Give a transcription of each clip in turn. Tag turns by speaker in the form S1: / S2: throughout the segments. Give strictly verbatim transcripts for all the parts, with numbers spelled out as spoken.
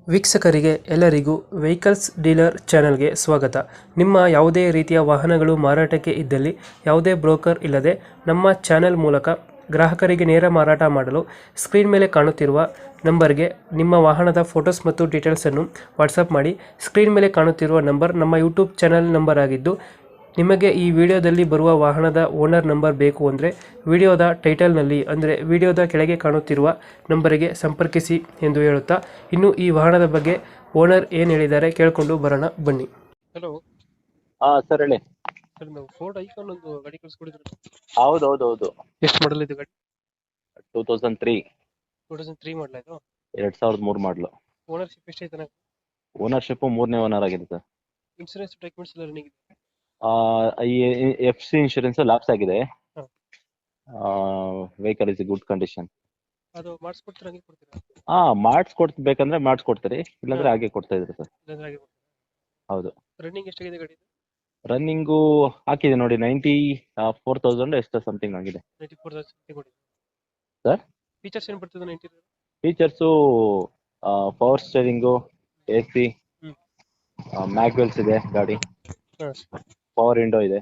S1: ವೀಕ್ಷಕರಿಗೆ ಎಲ್ಲರಿಗೂ vehicles dealer ಚಾನೆಲ್ಗೆ ಸ್ವಾಗತ. ನಿಮ್ಮ ಯಾವುದೇ ರೀತಿಯ ವಾಹನಗಳು ಮಾರಾಟಕ್ಕೆ ಇದ್ದಲ್ಲಿ ಯಾವುದೇ ಬ್ರೋಕರ್ ಇಲ್ಲದೆ ನಮ್ಮ ಚಾನೆಲ್ ಮೂಲಕ ಗ್ರಾಹಕರಿಗೆ ನೇರ ಮಾರಾಟ ಮಾಡಲು ಸ್ಕ್ರೀನ್ ಮೇಲೆ ಕಾಣುತ್ತಿರುವ ನಂಬರ್ಗೆ ನಿಮ್ಮ ವಾಹನದ ಫೋಟೋಸ್ ಮತ್ತು ಡೀಟೇಲ್ಸನ್ನು ವಾಟ್ಸಪ್ ಮಾಡಿ. ಸ್ಕ್ರೀನ್ ಮೇಲೆ ಕಾಣುತ್ತಿರುವ ನಂಬರ್ ನಮ್ಮ ಯೂಟ್ಯೂಬ್ ಚಾನೆಲ್ ನಂಬರ್ ಆಗಿದ್ದು, ನಿಮಗೆ ಈ ವಿಡಿಯೋದಲ್ಲಿ ಬರುವ ವಾಹನದ ಓನರ್ ನಂಬರ್ ಬೇಕು ಅಂದರೆ ವಿಡಿಯೋದ ಟೈಟಲ್ನಲ್ಲಿ ಅಂದರೆ ವಿಡಿಯೋದ ಕೆಳಗೆ ಕಾಣುತ್ತಿರುವ ನಂಬರಿಗೆ ಸಂಪರ್ಕಿಸಿ ಎಂದು ಹೇಳುತ್ತಾ, ಇನ್ನು ಈ ವಾಹನದ ಬಗ್ಗೆ ಓನರ್ ಏನು ಹೇಳಿದ್ದಾರೆ ಕೇಳಿಕೊಂಡು ಬರೋಣ ಬನ್ನಿ. ಹಲೋ
S2: ಹಾ ಸರ್ ಹೇಳಿ.
S1: ಸರ್, ನಾವು ಫೋರ್ಡ್ ಐಕಾನ್ ಒಂದು ಗಾಡಿ ಕಳಿಸ್ಕೊಡಿದ್ರು.
S2: ಹೌದು ಹೌದು ಹೌದು
S1: ಎಷ್ಟು ಮಾಡಲ್ ಇದು ಗಾಡಿ?
S2: Two thousand three
S1: two thousand three model ಇದು?
S2: ಎರಡ್ ಸಾವಿರದ ಮೂರು ಮಾಡಲು.
S1: ಓನರ್ಶಿಪ್ ಎಷ್ಟು ಐತೆ?
S2: ಓನರ್ಶಿಪ್ ಮೂರನೇ ಓನರ್ ಆಗಿದೆ ಸರ್.
S1: ಇನ್ಸೂರೆನ್ಸ್ ಡಾಕ್ಯುಮೆಂಟ್ಸ್ ಎಲ್ಲ ರನ್ನಿಂಗ್ ಇದೆ?
S2: ಎಫ್ ಸಿ ಇನ್ಶೂರೆನ್ಸ್ ಲ್ಯಾಪ್ಸ್ ಆಗಿದೆ.
S1: ಹಾ.
S2: Vehicle is good condition.
S1: ಅದು ಮಾಡಿಸ್ಕೊಡ್ತೀರಾ, ಹಂಗೆ ಕೊಡ್ತೀರಾ?
S2: ಹಾ ಮಾಡಿಸ್ಕೊಡ್ಬೇಕಂದ್ರೆ ಮಾಡಿಸ್ಕೊಡ್ತೀರಿ, ಇಲ್ಲಾಂದ್ರೆ
S1: ಹಾ.
S2: ಹಾಗೆ ಕೊಡ್ತಾ ಇದ್ರಿ ಸರ್.
S1: ಇಲ್ಲಾಂದ್ರೆ ಹಾಗೆ ಕೊಡ್ತೀರಾ?
S2: ಹೌದು.
S1: ರನ್ನಿಂಗ್ ಎಷ್ಟಾಗಿದೆ ಗಾಡಿ?
S2: ರನ್ನಿಂಗು ಹಾಕಿದೆ ನೋಡಿ, ನೈಂಟಿ ಫೋರ್ ತೌಸಂಡ್ ಎಷ್ಟು ಸಮಥಿಂಗ್ ಆಗಿದೆ
S1: ನೈಂಟಿ ಫೋರ್ ತೌಸಂಡ್ ಕೊಡಿ
S2: ಸರ್.
S1: ಫೀಚರ್ಸ್ ಏನು ಬರ್ತದೆ ninety?
S2: Features power steering, A C,
S1: hmm.
S2: Mag wheels ಇದೆ ಗಾಡಿ,
S1: ಹಾಂ.
S2: ಪವರ್ ವಿಂಡೋ ಇದೆ.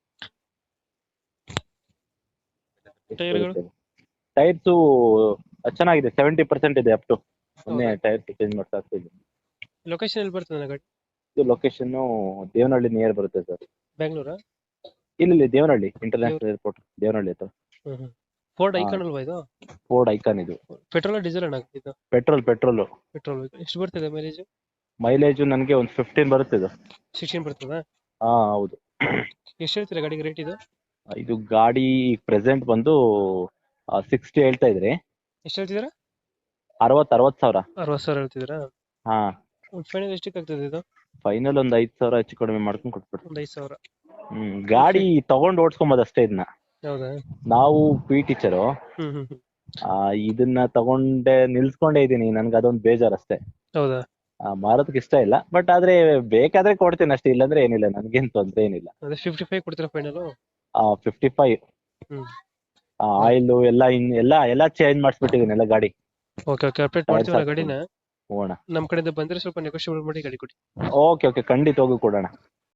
S1: ಟೈರ್ಗಳು?
S2: ಟೈರ್ಸು ಚೆನ್ನಾಗಿದೆ, ಸೆವೆಂಟಿ ಪರ್ಸೆಂಟ್ ಇದೆ ಅಪ್ ಟು. ಮೊನ್ನೆ ಟೈರ್ ಚೇಂಜ್ ಮಾಡ್ತಾ ಇದ್ದೀವಿ.
S1: ಲೊಕೇಶನ್ ಎಲ್ಲಿ ಬರ್ತದೆ ನನ್ನ ಗಾಡಿ?
S2: ಇದು ಲೊಕೇಶನ್ ದೇವನಹಳ್ಳಿ ನಿಯರ್ ಬರುತ್ತೆ ಸರ್.
S1: ಬ್ಯಾಂಗ್ಳೂರಾ?
S2: ಇಲ್ಲ ಇಲ್ಲಿ ದೇವನಹಳ್ಳಿ ಇಂಟರ್ನ್ಯಾಷನಲ್ ಏರ್ಪೋರ್ಟ್, ದೇವನಹಳ್ಳಿ ಹತ್ರ.
S1: ಹ್ಮ್. ಫೋರ್ಡ್
S2: ಹಾ.
S1: ಐಕಾನ್ ಅಲ್ವಾ ಇದು?
S2: ಫೋರ್ಡ್ ಐಕಾನ್ ಇದು.
S1: ಪೆಟ್ರೋಲ್ ಡೀಸೆಲ್ ಅಣ್ಣ ಇದು?
S2: Petrol petrol
S1: petrol. ಎಷ್ಟು ಬರ್ತದೆ ಮೈಲೇಜ್?
S2: ಮೈಲೇಜು ನನಗೆ ಒಂದು ಫಿಫ್ಟೀನ್ ಬರುತ್ತೆ ಇದು.
S1: ಸಿಕ್ಸ್ಟೀನ್ ಬರ್ತದಾ?
S2: ಹಾ ಹೌದು.
S1: ಎಷ್ಟು ಹೇಳ್ತೀರಾ ಗಾಡಿಗೆ ರೇಟ್ ಇದು?
S2: ಇದು ಗಾಡಿ ಪ್ರೆಸೆಂಟ್ ಬಂದು ಸಿಕ್ಸ್ಟಿ ಹೇಳ್ತಾ ಇದ್ರಿ.
S1: ಎಷ್ಟು ಹೇಳ್ತಿದ್ದೀರಾ?
S2: ಅರವತ್ತು ಅರವತ್ತು ಸಾವಿರ.
S1: ಅರವತ್ತು ಸಾವಿರ ಹೇಳ್ತಿದ್ದೀರಾ?
S2: ಹಾ.
S1: ಒಂದು ಫೈನಲ್ ಎಷ್ಟಕ್ಕೆ ಆಗ್ತದೆ ಇದು?
S2: ಫೈನಲ್ ಒಂದ್ ಐದ್ ಸಾವಿರ ಹೆಚ್ಚು ಕಡಿಮೆ ಮಾಡ್ಕೊಂಡು ಕೊಟ್ಬಿಡ್ರಿ.
S1: ಒಂದು ಐದು ಸಾವಿರ.
S2: ಹ್ಮ್ ಗಾಡಿ ತಗೊಂಡ್ ಓಡಿಸ್ಕೊಂಬೋದು ಅಷ್ಟೇ ಇದನ್ನ.
S1: ಹೌದಾ?
S2: ನಾವು ಪಿ ಟೀಚರು,
S1: ಹ್ಮ್ ಹ್ಮ್ ಹ್ಮ್.
S2: ಇದನ್ನ ತಗೊಂಡೆ ನಿಲ್ಸ್ಕೊಂಡೇ ಇದೀನಿ, ನನ್ಗೆ ಅದೊಂದು ಬೇಜಾರ್ ಅಷ್ಟೇ.
S1: ಹೌದಾ?
S2: ಆ, ಮಾರೋದಕ್ಕೆ ಇಷ್ಟ ಇಲ್ಲ, ಬಟ್ ಆದ್ರೆ ಬೇಕಾದ್ರೆ ಕೊಡ್ತೀನಿ ಅಷ್ಟೇ, ಇಲ್ಲಾಂದ್ರೆ ಏನಿಲ್ಲ, ನನ್ಗೇನ್ ತೊಂದ್ರೆ ಏನಿಲ್ಲ.
S1: ಅದೇ ಫಿಫ್ಟಿ ಫೈವ್ ಕೊಡ್ತೀರಾ final?
S2: Fifty five.
S1: Hmm.
S2: Oil ಎಲ್ಲ ಇನ್ ಎಲ್ಲ ಎಲ್ಲ ಚೇಂಜ್ ಮಾಡಿಸ್ಬಿಟ್ಟಿದೀನಿ ಎಲ್ಲ ಗಾಡಿ.
S1: ಓಕೆ ಓಕೆ, ಅಪ್ಡೇಟ್ ಮಾಡ್ತೀವಿ ನಾ ಗಾಡಿನ.
S2: ಹೋಗೋಣ.
S1: ನಮ್ಮ ಕಡೆಯಿಂದ ಬಂದ್ರೆ ಸ್ವಲ್ಪ ನೆಗೋಷಿಯೇಟ್ ಮಾಡಿ ಗಾಡಿ ಕೊಡಿ.
S2: ಓಕೆ ಓಕೆ, ಖಂಡಿತ ಹೋಗಿ ಕೊಡೋಣ.